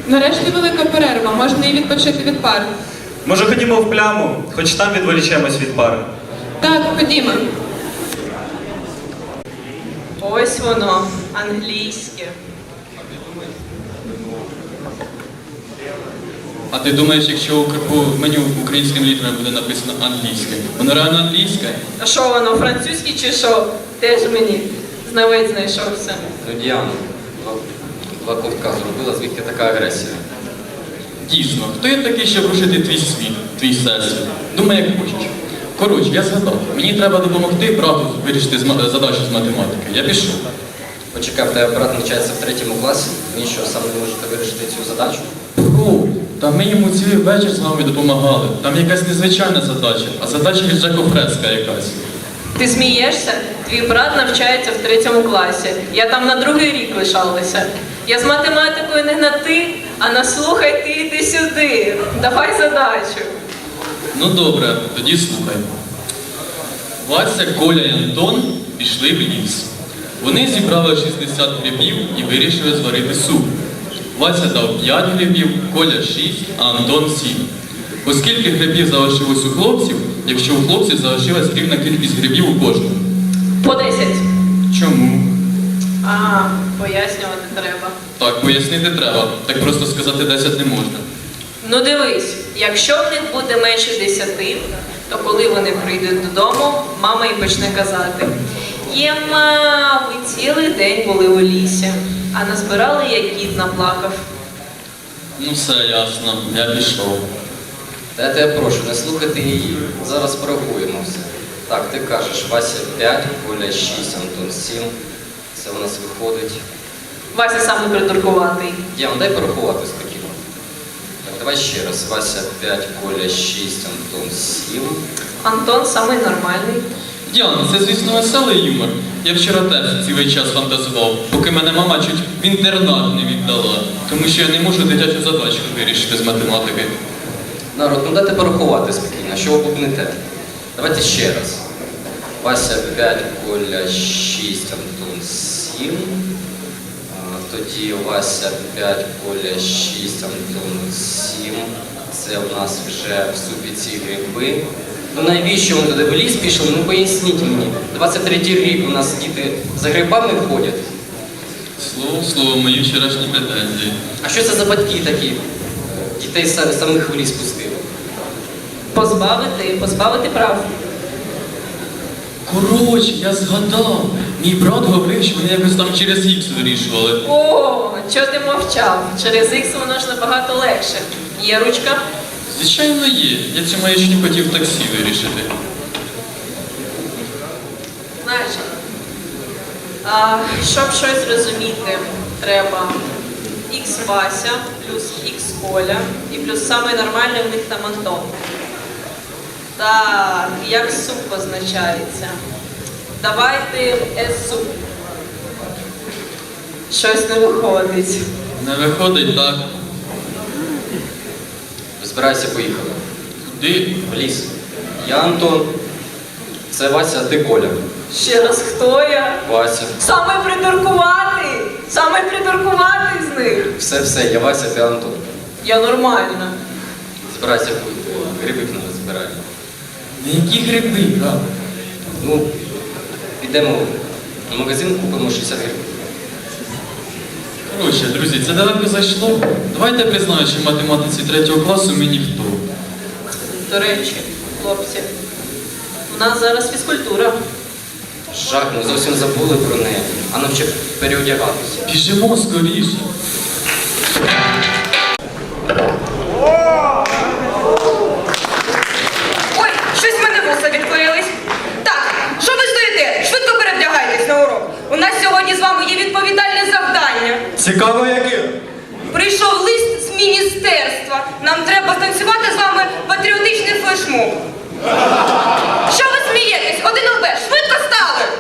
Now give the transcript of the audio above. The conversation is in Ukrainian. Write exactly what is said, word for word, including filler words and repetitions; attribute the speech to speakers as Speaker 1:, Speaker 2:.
Speaker 1: Нарешті велика перерва, можна і відпочити від пар.
Speaker 2: Може, ходімо в пляму, хоч там відволічемось від пари.
Speaker 1: Так, ходімо.
Speaker 3: Ось воно, англійське.
Speaker 4: А ти думаєш, якщо у крипу меню українським літерами буде написано англійське, воно реально англійське?
Speaker 3: А що воно, французьке чи що? Теж мені знавець знайшовся.
Speaker 5: Ну, Діана, два, два ковтка зробила, звідки така агресія?
Speaker 4: Дійсно, хто я такий, щоб рушити твій світ, твій всесвіт? Думай, як хочеш. Коротше, я згадав, мені треба допомогти брату вирішити зма- задачу з математики. Я пішов.
Speaker 5: Почекай, в тебе брат навчається в третьому класі, він що, сам не можете вирішити цю задачу?
Speaker 4: Бро, та ми йому цілий вечір з вами допомагали. Там якась незвичайна задача, а задача від Жако Фреска якась.
Speaker 3: Ти смієшся? Твій брат навчається в третьому класі. Я там на другий рік лишалася. Я з математикою не на ти, а на слухай ти йди сюди. Давай задачу.
Speaker 4: Ну добре, тоді слухай. Вася, Коля і Антон пішли в ліс. Вони зібрали шістдесят грибів і вирішили зварити суп. Вася дав п'ять грибів, Коля шість, а Антон сім. Оскільки грибів залишилось у хлопців, якщо у хлопців залишилась рівна кількість грибів у кожного.
Speaker 3: По десять.
Speaker 4: Чому?
Speaker 3: А, пояснювати треба.
Speaker 4: Так, пояснити треба. Так просто сказати десять не можна.
Speaker 3: Ну дивись, якщо в них буде менше десяти, то коли вони прийдуть додому, мама і почне казати: «Єма, ви цілий день були у лісі, а назбирали, як кіт наплакав».
Speaker 4: Ну все ясно, я пішов.
Speaker 5: Та я тебе прошу, не слухати її. Зараз порахуємо все. Так, ти кажеш, Вася п'ять, Коля шість, Антон сім. Це у нас виходить.
Speaker 3: Вася саме придуркуватий.
Speaker 5: Діана, дай порахувати спокійно. Так, давай ще раз. Вася п'ять, Коля шість, Антон сім.
Speaker 3: Антон самий нормальний.
Speaker 4: Діана, це, звісно, веселий юмор. Я вчора теж цілий час фантазував, поки мене мама чуть в інтернат не віддала, тому що я не можу дитячу задачку вирішити з математики.
Speaker 5: Народ, ну дайте порахувати спокійно, що ви бубните? Давайте ще раз. Вася п'ять, Коля шість, Антон сім. А, тоді Вася п'ять, Коля шість, Антон сім. Це у нас вже в супі ці гриби. Ну навіщо вони туди в ліс пішли? Ну поясніть мені. двадцять третій рік у нас діти за грибами ходять.
Speaker 4: Слово в слово, мої вчорашні претензії.
Speaker 5: А що це за батьки такі? Дітей са- самих в ліс пустили.
Speaker 3: Позбавити, позбавити прав.
Speaker 4: Коротше, я згадав. Мій брат говорив, що вони якось там через ікс вирішували.
Speaker 3: О, чого ти мовчав? Через ікс воно ж набагато легше. Є ручка?
Speaker 4: Звичайно, є. Я цю маячню хотів в таксі вирішити.
Speaker 3: Значить, а, щоб щось розуміти, треба х Вася плюс х Коля і плюс самий нормальний в них там Антон. Так, як суп позначається? Давайте S-суп. Щось не виходить.
Speaker 4: Не виходить так.
Speaker 5: Збирайся, поїхали.
Speaker 4: Куди?
Speaker 5: В ліс. Я Антон. Це Вася, а ти Коля.
Speaker 3: Ще раз, хто я?
Speaker 5: Вася.
Speaker 3: Самий придуркуватий! Самий придуркуватий з них!
Speaker 5: Все, все, я Вася, ти Антон.
Speaker 3: Я нормальна.
Speaker 5: Збирайся, гриби надо збирати.
Speaker 4: На які гриби, брат?
Speaker 5: Ну, підемо в магазин, купимо шістдесят гривень.
Speaker 4: Коротше, друзі, це далеко зайшло. Давайте признаю, що в математиці третього класу ми ніхто.
Speaker 3: До речі, хлопці, у нас зараз фізкультура.
Speaker 5: Жах, ми зовсім забули про неї. А нам ще переодягатися.
Speaker 4: Біжимо скоріше.
Speaker 6: Ой, щось в мене вуса відкорились. Так, що ви стоїте? Швидко перевдягайтесь на урок. У нас сьогодні з вами є відповідальне завдання.
Speaker 2: Цікаво, яке?
Speaker 6: Прийшов лист з міністерства. Нам треба станцювати з вами патріотичний флешмоб. Що ви смієтесь? Один ЛБ, швидко стали!